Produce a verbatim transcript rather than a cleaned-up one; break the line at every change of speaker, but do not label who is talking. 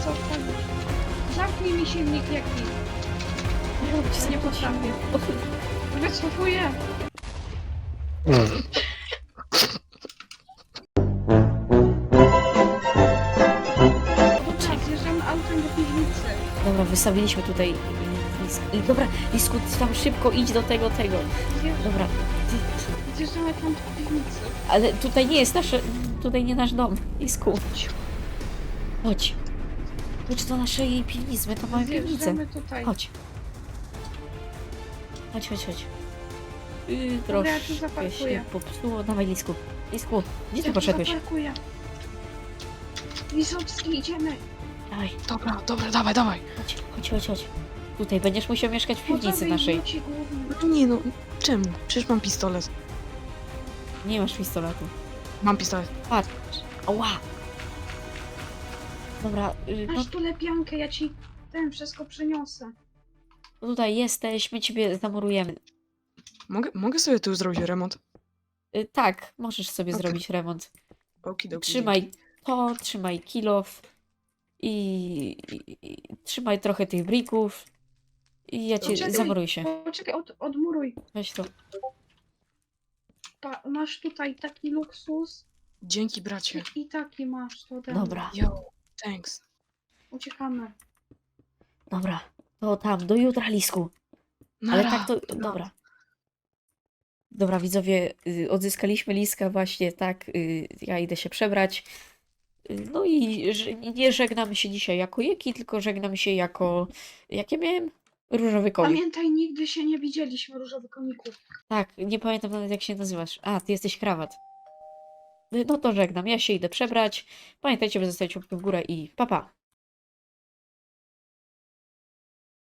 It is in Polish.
co odpalić. Zamknij mi silnik jaki.
Ja
Nie potrafię. Wycofuję. Dobra, zjeżdżamy autem do piwnicy.
Dobra, wystawiliśmy tutaj y, lis- y, dobra, Lisku, ty tam szybko idź do tego, tego.
Zjeżdż-
Dobra, ty,
Zjeżdżamy tam do piwnicy.
ale tutaj nie jest nasze, tutaj nie nasz dom, Lisku. Chodź. Chodź do naszej piwnicy, my tam mamy piwnicę.
Zjeżdżamy tutaj.
Chodź. Chodź, chodź, chodź. Yy,
Dobra, ja tu
troszkę
zaparkuję.
się popsuło. Dawaj, Lisku. Lisku, gdzie ty
Ja tu
poszedłeś?
zaparkuję. Lisowski, idziemy.
Dawaj,
Dobra, dobra, dawaj, dawaj.
chodź, chodź, chodź, chodź. Tutaj będziesz musiał mieszkać w piwnicy
Gotowy
naszej.
wróci główny.
No nie no, czemu? Przecież mam pistolet.
Nie masz pistoletu.
Mam pistolet.
Patrz. Ała. Dobra, yy, no
Masz tu lepiankę, ja ci ten wszystko przyniosę.
tutaj jesteś, my ciebie zamurujemy.
Mogę, mogę sobie tu zrobić remont?
Yy, tak, możesz sobie
Okej.
zrobić remont.
Okidoki.
Trzymaj
dzięki.
to, trzymaj kilof i, i, i trzymaj trochę tych brików i ja cię
Poczekaj,
zamuruj się.
Poczekaj, od, odmuruj.
Weź to.
Pa, masz tutaj taki luksus
Dzięki, bracie.
i, i taki masz. To ten.
Dobra,
Yo, thanks.
Uciekamy.
dobra. To tam, do jutra, Lisku. Ale
Nara.
tak to, dobra. Dobra, widzowie, y, odzyskaliśmy Liska właśnie, tak, y, ja idę się przebrać. Y, No i że- nie żegnamy się dzisiaj jako Jeki, tylko żegnamy się jako, jakie miałem? Różowy konik.
Pamiętaj, nigdy się nie widzieliśmy, różowy koniku.
Tak, nie pamiętam nawet jak się nazywasz. A, ty jesteś krawat. Y, No to żegnam, ja się idę przebrać. Pamiętajcie, by zostawić łapkę w górę i pa pa.